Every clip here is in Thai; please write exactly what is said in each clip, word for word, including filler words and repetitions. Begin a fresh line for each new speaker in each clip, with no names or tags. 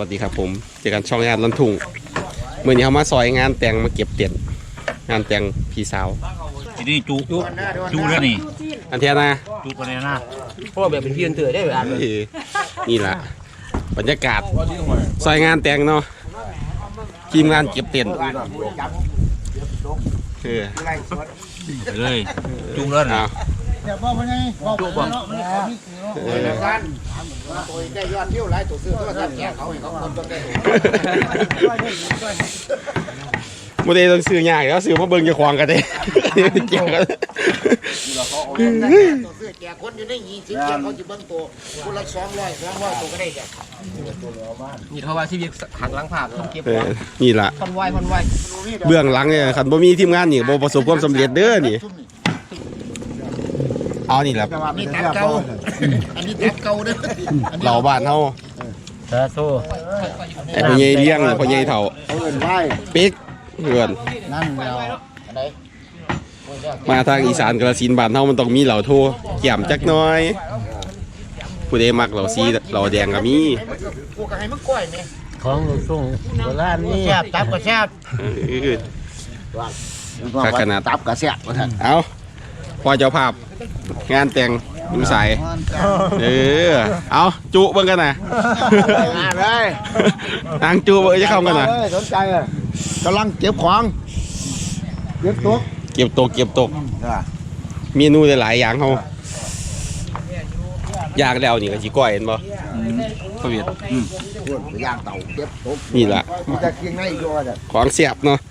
วัสดีครับผมเจอกันช่องงานลันทุ่งเมื่อนี้เขามาซอยงานแต่งมาเก็บเต็นท์งานแต่งพี่สาว
ทีนี้จุจุจุแล้วนี่
อันเทียนะ
จุกันเลยนะ
เพราะแบบเป็นพี่อันเถื่อได้เวลา
นี่แหละบรรยากาศซอยงานแต่งเนาะทีมงานเก็บเต็นท์เออ
เลยจุแล้วนะ
เดี๋ยวบอกว่าไงบอกว่าเนาะมันเขามีเออแล้วกันตัวได้ยอดเที่ยวหลายตัวซื้อตัวกันแก่เขาให้เขาคนตัวได้
โมเดลต้องซื้อยากแล้วซื้อมาเบิ่งจะควงกันได้เกี่ยวกัน
ตัวซื้อแก่คนอยู่ในยี่สิบแก่เขาจะเบิ่งตัวคนละสองร้อยสองร้อยตัวก็ได้แก่
นี่เขาว่าชีวิตขังล้างภาพต้องเก็บ
นี่แหละ
พันไวพันไว
เบื้องหลังเนี่ยคันบ่มีทีมงานนี่บ่ประสบความสำเร็จเด้อนี่เอานี่แหละ
นี่ตัดเก่าอันนี้ตัดเก่าเด้อ
เหล่าบ้านเฮา
สาธุ
ไอ้พ่อใหญ่เลี้ยงพ่อใหญ่เฒ่าปิ๊กเพื่อน
นั่นแล้ว
มาทางอีสานกระสินบ้านเฮามันต้องมีเหล่าโทแก้มจักหน่อยผู้ใดมักเหล่าสีเหล่าแดงก็มี
กูก็ให้มึงก้อยแม่
ของลูกส่งโบราณนี่
แซ่บตับก็แซ่บ
ข้าขนาด
ตับก็แซ่บว่าซั่น
เอ้าพอเจ้าภาพงานแต่งดูใสเออเอาจุเบิ่งกันนะ
มาเลย
นางจุเบิ่งจะเข้ากันนะ
สนใจเลยกำลังเก็บของเก็บตก
เก็บตกเก็บตกเมนูหลายอย่างเขาย่างแล้วนี่ก็จีก้อยเห็นบ่พเวียด
ย่างเต่าเก็บตก
นี่แหละ
จะเคียงในอีกด้วย
ของเสียบเนาะ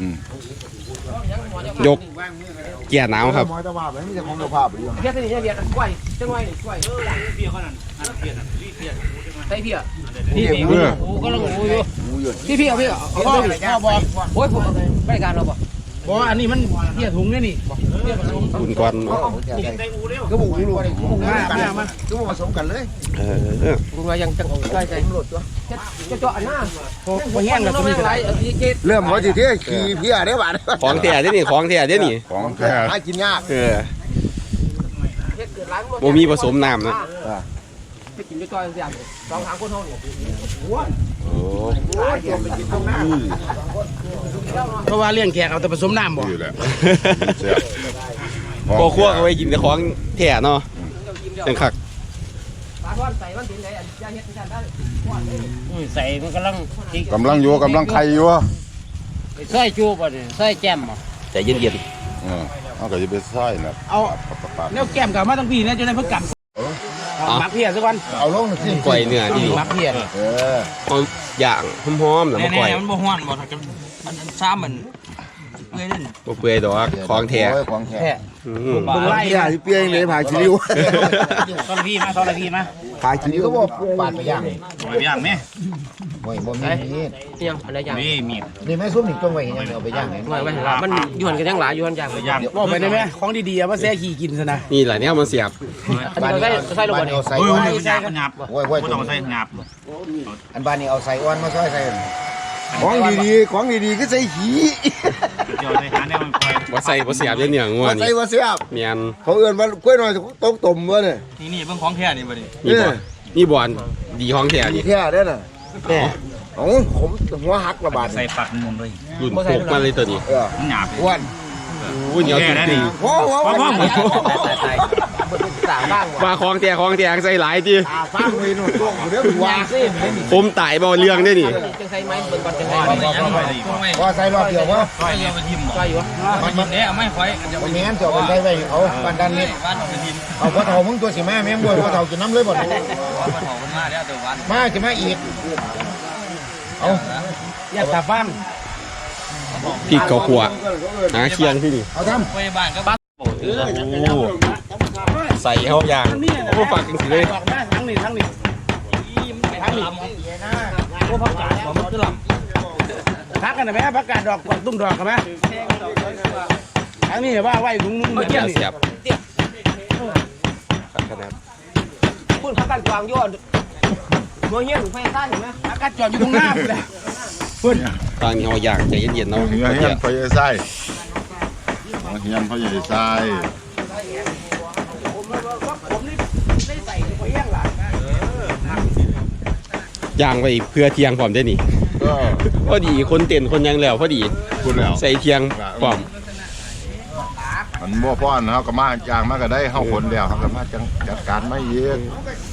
ยกเกียร์หนาวครับ
มอยตะวาแบบนี้จะของตะภาพอยู่
เพี้ยนี่เพี้ยกล้วยจังไว้นี่กล้วยเพี้ยเขานั่นเพี้ยเพี้ยใช่เพี้ยนี่เพี้ยโอ้ก็ลังโอ้ยพี่พี่เอาพี่เอาเอาบ่โอ้ยผมไม่การเราบ่บ่อันนี้มันเพี้ยถุงนี่นี่เพี้ยถุง
อุ่นก้อน
ก็บุกลูกมามามาก็ผสมกันเลย
เออ
คุณว่ายังจังใกล้ใจหลุดตัวจะเจาะอันหน้าพอแห้งแล้วมีอะไร
เริ่มว่าสิเที่ยขี่เพี้ยได้บ่
ของแท้เด้นี่ของแท้เด้นี่
ของแท้หากินยาก
เออบ่มีผสมน้ำนะ
ไปกินด้วยจอยเสียสองทางคนเท่านี้
โอ้
เพราะว่าเลี้ยงแขกเอาแต่ผสมน้ำบ่
อยู่แล้วพอคั่วเอาไว้กินแต่ของแท้เนาะจังคัก
ใส่มันกำลัง
กำลังอยู่กำลังไข่อยู่
ใส่จูบอ่ะใส่แก้มอ่ะ
ใจเย็น
ๆเออเอาก็จะไปใส่นะ
เอาแล้วแก้มกับมาตั้งปีนะจนได้เพิ่งกลับมักเพียสักวัน
เอาลงสิ
ก๋วยเนื้อที่
มักเพีย
เออ
เอาอย่างหอมๆแล้วมาก๋วย
มันบ่ฮ้อนบ่ถ้ามันซ้ำมันเปื่อยนั่น
บ่เปื่อยดอกของแท้
ของแท้
บึงไล่
ที่เปียงเลยผ่าชิลิว
ตอนพี่มาตอนพี่มา
ผ่าชิลิวก็บอกปาดไปย่าง
ไปย่างไหม
โอ้ยบ่มีนี่
ยังอะไรย่าง
นี่มี
นี่แม่ซุ่มนี่ต้องไว้ยังเอาไปย่างไง
ไม่ไม่มันยวนกันยังหลายยวนย่างไปย่างบอกไปได้ไหมของดีๆว่าแซ่ขี่กินซะนะ
นี่แหละเนี่ยมันเสียบ
บ้านนี้ใส่ลงไป
เอาใส่
โอ้ยใส่หยับโอ้ยโอ้ยต้องใส่หยับ
อันบ้านนี้เอาใส่อ้วนมาซอยใส่ของดีๆของดีๆก็ใส่หี
เดี๋ยวใส่หาแนวมันคอย
ว่าใส่ว่าเสียบเนี่ยง่วงนี่
ใส่ว่าเสียบ
เมียน
เขาเอื้อนว่ากล้วยหน่อยต้มต้มวะเนี่ย
นี่นี่เบิ่งของแท้นี่บ่ดิ
นี่บ่นี่บ่อนดีของแท้นี่
แท้ได้น่ะแน่โอ้ผมหัวหักระบาด
ใส่ปักมุมเลย
รุ่นโคกมาเลยตัวนี้
เออ
หยาบ
อ้วน
อุ้ยเหนียวจริง
ๆโอ้โห
ว่าของแท้ของแท้ใส่หลายที
ฟังเลยหนูตัวเดี๋ยวว่า
ผมตายบ่เรื่องได้นี่
จังใส่ไม้เบิ่งก่อนจังใส่
ว่าใส่รอบเดียววะ
ใส่เดียวไปทิ่ม
ใส่อยู่
มันมันเนี่ยไม่ค่อย
วันนี้เจ้าเป็นใส่ไว้เขาบ้านด้านนี้เอาพ่อเฒ่ามึงตัวสิแม่แม่งบ่พ่อเฒ่ากินน้ำเลยบ่พ่อเฒ่ามันมาแล้วตัววันมาจะมาอีกเอา
อย่าตาฟัง
พี่เกาขัวหาเคียงที่นี่
เอาทำ
ไปบ้านก็บ้าน
ใส่เข้าอย่างโอ้ฝักจริงๆเลย
ทั้งนี้ทั้งนี้ทั้งนี้โอ้พักกาดมันคือลำพักกันไหมพักกาดดอกกวางตุ้งดอกกันไหมทั้งนี้ว่าไหวถุงนุ่ง
เกี่ยวเสียบ
พูดพักกันกวางย้อนโมเหี้ยหรือไฟซ่าเห็นไหมพักกันจอดอยู่ตรงหน้าเลย
พูดตอนนี้เอาอย่างใจเย็นๆเนาะ
เฮียเฮียนไฟใส่เฮียนไฟใส่
ย่างไปเพื่อเที่ยงพร้อมได้นี่
ก็
พอดีคนเต้นคนยังแล้วพอดี
คุณแล้ว
ใส่เที่ยงพร้อม
มันบ่ป้อนเขาก็มาจางมาก็ได้เฮาคนแล้วเขาก็มาจังจัดการไม่เยอะ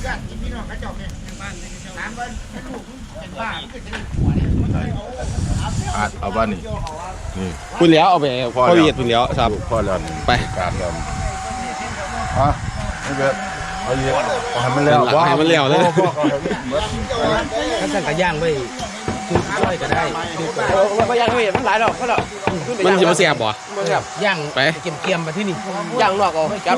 อาดเอาบ้านนี่นี่
คุณแล้วเอาไป
พอ
พ่อ
แล้ว
เวียดคุณแล้วครับ
พ่อแล้ว
ไป
การแล้วอ่ะไม่เกิดเอาเยอะให้มันแล้ว
ให้มันแล้วเลย
พ่อเขาให้หมด
ขั้นสั่งกระย่างไปคือช่วยก็ได้ก็ย่างไม่มันหลายดอกก็ดอก
มันสิมาแซ่บบ่
ย่าง
ไป
เกี่ยมเกี่ยมๆมาที่นี่ย่างนอกเอาจับ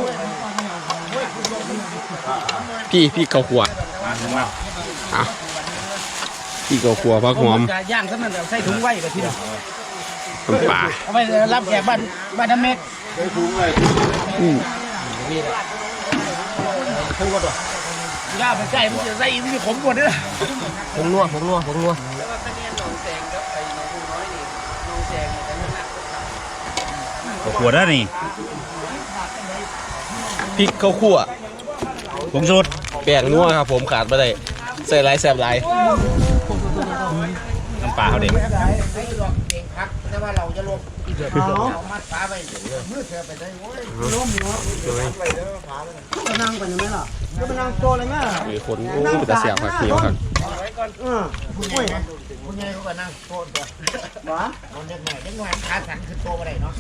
พี่พี่เกาขัวอ่ะพี่เกาขัวพักหอม
ย่างซะมันใส่ถุงไว้มาที่นี่
น้ำปลา
เอาไปรับแขกบ้านบ้านน้ำเม็ด
อืม
ย่าไปใส่มันจะใส่มันจะขมกว่านี้ละผงนัวผงนัวผงนัว
ขวดแล้วนี่
พริกข้าวคั่ว
ผงชูรส
แป้งนัวครับผมขาดไม่ได้ใส่หลายแซ่บหลาย
น้ำปลาเขาเด็ก
แต่ว่าเราจะลงเอามัดฟ้าไปมือเธอไปได้โว้ยล้มเนาะก็นั่งไปยังไงล่ะก็ไปนั่งโตเลยแม่
มีคนโอ้เป็นตาแซ่บผักเหนียวครับ
เออคุณใหญ่คุณใหญ่เขาก็นั่งโตตัวหวะคนเด็กหน่อยเด็กหน่อยขาสั่นขึ้นโตไปได้เนาะ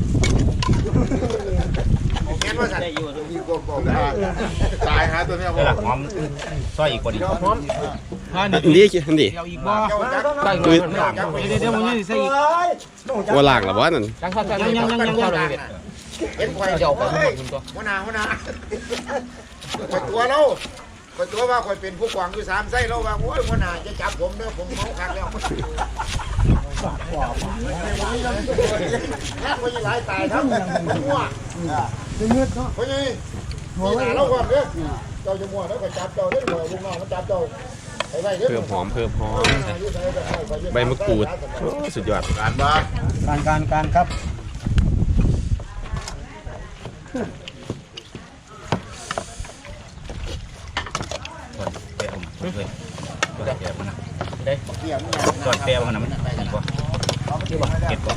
แค่ว่าสั่นได้อยู่
ตายหาตัวเนี้ยบ่
หอมซอยอีกคนอีก
พร้อม
อันนี้อันนี้
เดี๋ยวอีกบ่เดี๋ยวเดี๋ยวมันจะใส่อีก
ว่าล่างหรือว่านั่น
ยังยังยังยังยังเลยเห็นควายเดี๋ยวไปคุณตัว
หัวหน้าหัวหน้าข่อยตัวเราข่อยตัวว่าข่อยเป็นผู้กวางอยู่สามไส้เราว่าโอ้ยหัวหน้าจะจับผมเด้อผมเมาคักแล้วแล้วคนยี่หลายตายทั้งหัวคนยี่หัวหน้าเราก่อนเด้อเจ้าจะมัวแล้วก็จับเจ้าเด้อหัวลุงน้องมันจับเจ้าไปไว้เด้อ
เพิ่มหอมเพิ่มหอมใบมะกรูดโอ้สุดยอด
การบ้า
การการการครับ
เปรี้ยวมันเลยตัวแก้วมันนะได้ตัวแก้วมันนะมันดีกว่าเก็บกว่า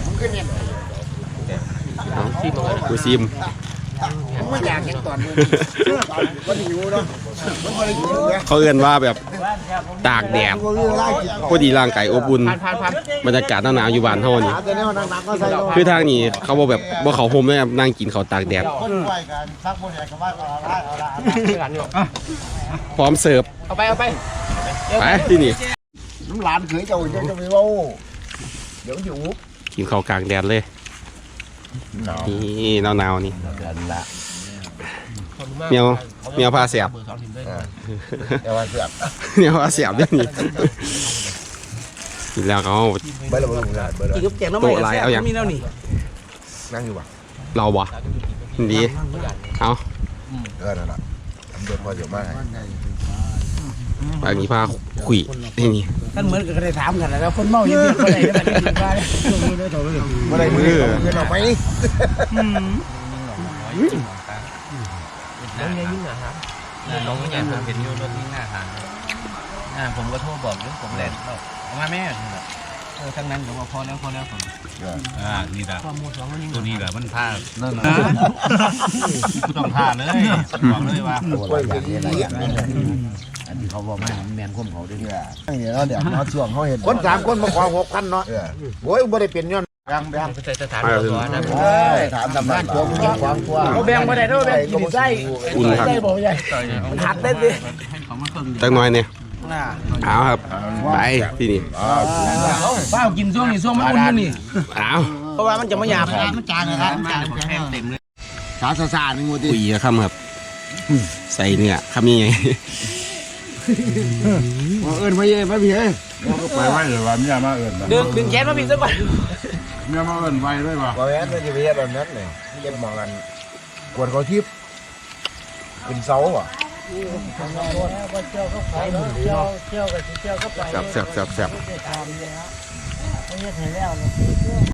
เอากูซิม
มันอยากเห็นตอนมึงมันหิวเนาะมันบ่ได้หิวเด้อ
เขาเอื้อนว่าแบบตากแดดพอดีร่างกายอบอุ่น
ผ่านผ่านผ่าน
บรรยากาศหนาวๆอยู่บ้านเฮานี่
แต่เนี่ยมันหนักๆก็ใส่เรา
คือทางนี้เขาบอกแบบว่าเขาโฮมเลยครับนั่งกินเขาวตากแดด
คนไหวกันซักบ่ได้ก็ว่าเอาละเอาละ
พร้อมเสิร์ฟ
เอาไปเอาไป
ไปที่นี่
น้ำหลานเขยเจ้าจะจะไปเว้าเดี๋ยวอยู่
กินข้าวกลางแดดเลย
หนาว
นี่หนาวๆนี่
เดือนละ
เมียวเมียวพาเสียบ
แต่ว่าเสือก
เมียวพาเสียบด้วยนี่กินแล้วเขาเอา
ไม่ระเบิดเบิด
กินกับแกงน้ำมันมีแล้วนี่
นั่งอยู่ป่ะ
เราบ่ดีเอา
เออนั่นแหละทำเดือนพอเดี๋ยวมาให้
บางนี้พาขุยนี่นี่
ท่านเหมือนกับได้ถามกันแล้วคนเมาเยอะๆคนไหนได้แบบนี้บ้าง
เมื่อไรมือเงินออกไป
น้องยังยิ่งนะครับ
น้องใหญ่ผมเห็นอยู่รถที่หน้าทางอ่าผมก็โทรบอกเรื่องผมแหลนเอามาแม่เออทั้งนั้นผมว่าพอแล้วพอแล้วผมอ่านี่แหละตัวนี้แหละมันพลาดนั่นนะต้องพลาดเลยบอกเลยว่า
กล้วยอย่างนี้อะไรอย่างนี้อันที่เขาบอกไม่แมนคุ้มเขาด้วยเนี่ยเดี๋ยวเดี๋ยวเขาช่วงเขาเห็น
คนสามคนมาขอหกพันเนาะโอ้ยบ่ได้เป็นย้อนแบงแบง
ใส่สถานที่ก่อนนะ
ถามทำบ้านตัวมึงควางตัว
เราแบ่งมาได้ด้วยแบ่งกินไส้
อุ่นครับ
ไส้บอกใหญ่มันหักได้ดิ
จักหน้อยเนี่ยเอาครับไปที่นี่
ป้ากินช่วงนี้ช่วงมันอุ่นนี่
เอา
เพราะว่ามันจะไม่หยาบ
มันจางเลยครับ
เต็มเลย
สาสาสาหนึ่งวัน
ขุยอะครับครับใส่เนื้อคำนี้ไง
เอิญมาเย่มาพี่เอ้ย
ไปไว้หรือว่าเมียมาเอิญ
ดึงดึงแขนมาพี่สักก่อน
เมียมาเอิญไว้ด้วยป่ะ
บ่แม่นมันจะไปเฮ็ดแบบนั้นเลยเก็บหมองกันกวนเขาทิพย์ขึ้นเสาอ่ะ
แซ่บแซ่บแซ่บแซ่บ